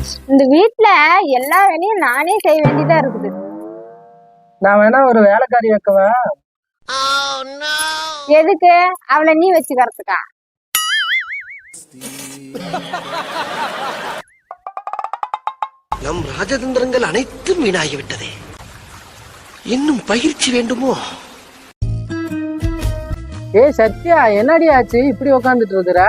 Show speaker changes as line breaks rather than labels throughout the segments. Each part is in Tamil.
இந்த வீட்டுல எல்லா வேலையும் நானே செய்ய வேண்டியதா இருக்குது.
நான் வேணா ஒரு வேலைக்காரி வைக்கவா?
எதுக்கு? அவளை நீ வச்சுக்கிறதுக்கா?
நம் ராஜதந்திரங்கள் அனைத்தும் வீணாகிவிட்டதே. இன்னும் பயிற்சி வேண்டுமோ?
சத்யா, என்னடி ஆச்சு இப்படி உக்காந்துட்டு இருக்கிற?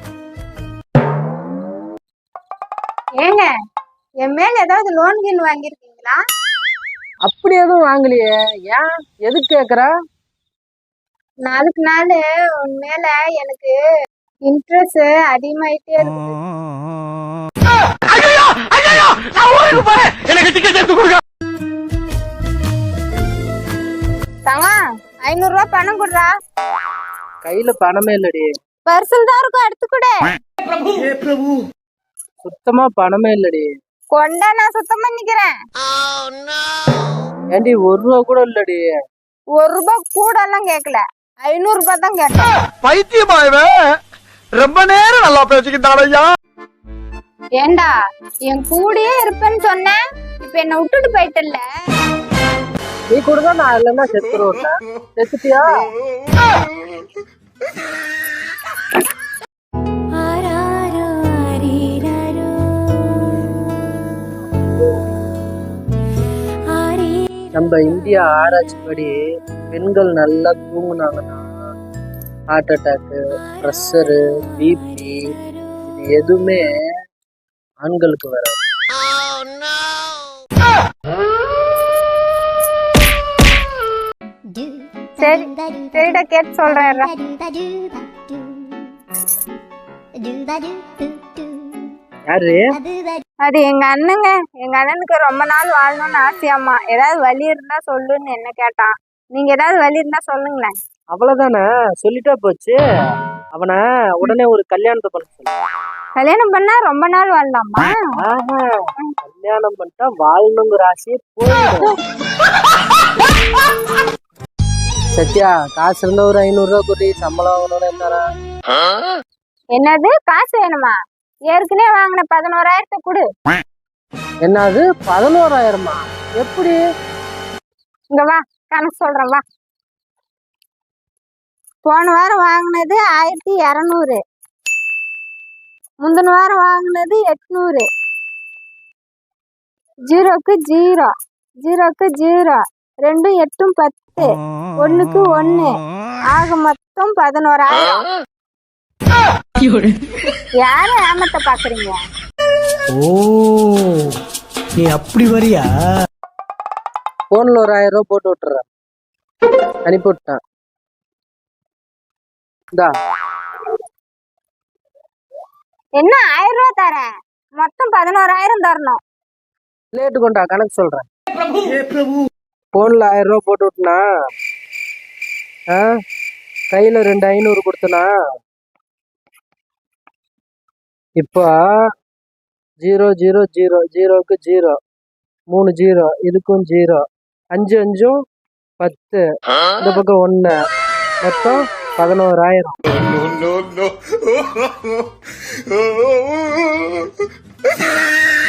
ஏங்க, என் மேல ஏதாவது லோன் கீன் வாங்கிருக்கீங்களா?
அப்படி எதுவும் வாங்கலையே. ஏன், எதுக்கு கேக்குற?
நாளுக்கு நாள் உன் மேல எனக்கு இன்ட்ரெஸ்ட் அதிகமாயிட்டே இருக்கு. தவா, 500 ரூபாய் பணம் குடுறா.
கையில பணமே இல்லடி.
பர்சல் தான் இருக்கும், எடுத்து கொடு.
சுத்தமா பணமே இல்லடி.
கொண்டா, நான் சுத்தம் பண்ணிக்கிறேன்.
ஏண்டி 1 ரூபா கூட இல்லடி.
1 ரூபாய் கூட எல்லாம் கேட்கல, 500 ரூபாய் தான் கேட்டேன்.
பைத்தியமாயவே ரொம்ப நேரம் நல்லா பேசிக்கிட்டாரையா.
ஏண்டா, என் கூடயே இருப்பேன்னு சொன்னேன், இப்ப என்ன விட்டுட்டு போயிட்டல்ல.
நீ கூட தான் நான் இல்லைன்னா செத்துருவேன். செத்துட்டியா? நம்ம இந்தியா ஆராய்ச்சிப்படி பெண்கள் நல்லா தூங்குனாங்கன்னா ஹார்ட் அட்டாக்கு, ப்ரெஷரு, பிபி இது எதுவுமே ஆண்களுக்கு வராது.
சரி சரிடா, கேட்டு சொல்றேன்.
யாரு?
அது எங்க அண்ணங்க. எங்க அண்ணனுக்கு ரொம்ப நாள் வாழணும்னு ஆசையாமா. ஏதாவது வழி இருந்தா சொல்லுன்னு என்ன கேட்டான். நீங்க ஏதாவது வழி இருந்தா சொல்லுங்களேன்.
அவ்வளவுதானே, சொல்லிட்டா போச்சு. அவனை உடனே ஒரு கல்யாணத்தை பண்ண சொல்லு.
கல்யாணம் பண்ணா ரொம்ப நாள் வாழலாமா?
கல்யாணம் பண்ணிட்டா வாழணுங்கிற ஆசையே போயிடும். சத்யா, காசு இருந்தா ஒரு 500 ரூபா கூட்டி சம்பளம் வாங்கணும்னு இருந்தாரா?
என்னது, காசு வேணுமா? ஏற்கனவே வாங்கின 11,000 கொடு.
என்னது 11,000? எப்படி?
இங்க வா, கணக்கு சொல்றேன் வா. போன வாரம் வாங்கினது 1200, முந்தின வாரம் வாங்கினது 800. 0க்கு 0, 0க்கு 0, 2 8 10, 1க்கு 1, ஆக மொத்தம் 11,000. யார ஏமாத்த பாக்குறீங்க?
ஓ, நீ அப்படி வரியா?
போன்ல ஒரு 1000 ரூபா போட்டு விட்டுறேன், அனுப்பி விட்டான்.
என்ன 1000 ரூபா தரேன், மொத்தம் 11,000 தரணும்.
லேட்டு கொண்டா, கணக்கு சொல்றேன். போன்ல 1000 ரூபா போட்டு விட்டுனா, கையில 2 500 கொடுத்தனா. இப்போ 0 0 0, 0க்கு 0, 3 0, இதுக்கும் 0, 5 5 10, இந்த பக்கம் 1, மொத்தம் 11,000.